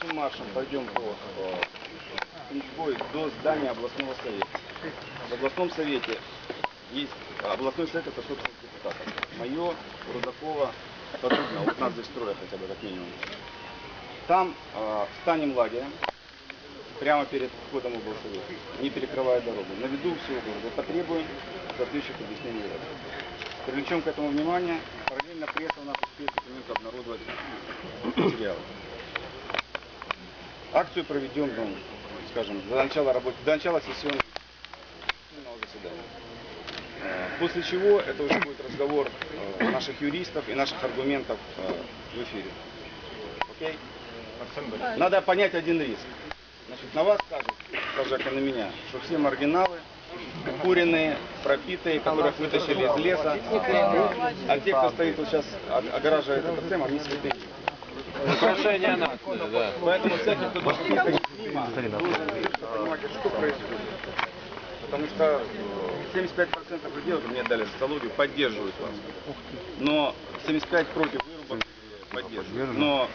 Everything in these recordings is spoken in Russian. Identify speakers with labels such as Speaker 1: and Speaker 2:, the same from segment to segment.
Speaker 1: Пешим маршем пойдем по Кунцевой до здания областного совета. В областном совете есть, областной совет это собственность депутатов. Мое, Рудакова, Подубна, вот нас здесь строят хотя бы как минимум. Там встанем лагерем, прямо перед входом в облсовет, не перекрывая дорогу. На виду всего города потребуем соответствующих объяснений власти. Привлечем к этому внимание, параллельно пресса у нас успеет документы обнародовать материалы. Акцию проведем, ну, скажем, до начала сессионного заседания. После чего это уже будет разговор наших юристов и наших аргументов в эфире. Окей? Надо понять один риск. Значит, на вас скажут, как и на меня, что все маргиналы, куриные, пропитые, которых вытащили из леса, а те, кто стоит вот сейчас, огораживает этот тему, они святые.
Speaker 2: Украшение нации, да.
Speaker 1: Поэтому всякий, кто должен понимать, что происходит. Потому что 75% людей, вот мне дали социологию, поддерживают вас. Но 75% против вырубок поддерживают. Но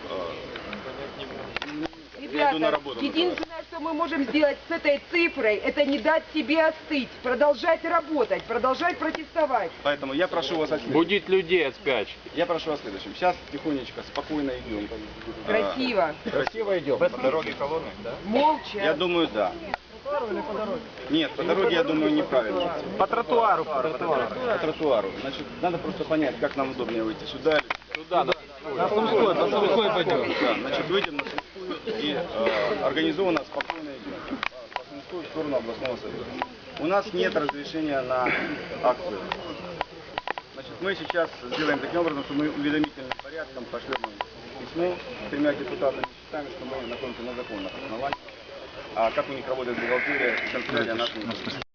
Speaker 3: ребята, единственное, что мы можем сделать с этой цифрой, это не дать себе остыть, продолжать работать, продолжать протестовать.
Speaker 1: Поэтому я прошу вас о следующем.
Speaker 2: Будить людей от спячки.
Speaker 1: Я прошу о следующем. Сейчас тихонечко, спокойно идем.
Speaker 3: Красиво.
Speaker 1: Красиво идем. По дороге колонны, да?
Speaker 3: Молча.
Speaker 1: Я думаю, да. Или по дороге? Нет, по дороге, я думаю, неправильно.
Speaker 2: По тротуару.
Speaker 1: По тротуару. Значит, надо просто понять, как нам удобнее выйти сюда.
Speaker 2: Сюда,
Speaker 1: на Сумской пойдем. Да, значит, выйдем на Сумскую и организованно, спокойно идем. По Сумской в сторону областного совета. У нас нет разрешения на акцию. Значит, мы сейчас сделаем таким образом, что мы уведомительным порядком пошлем письмо с 3 депутатами. Считаем, что мы находимся на законных основаниях. А как у них работает бухгалтерия, канцелярия нашей.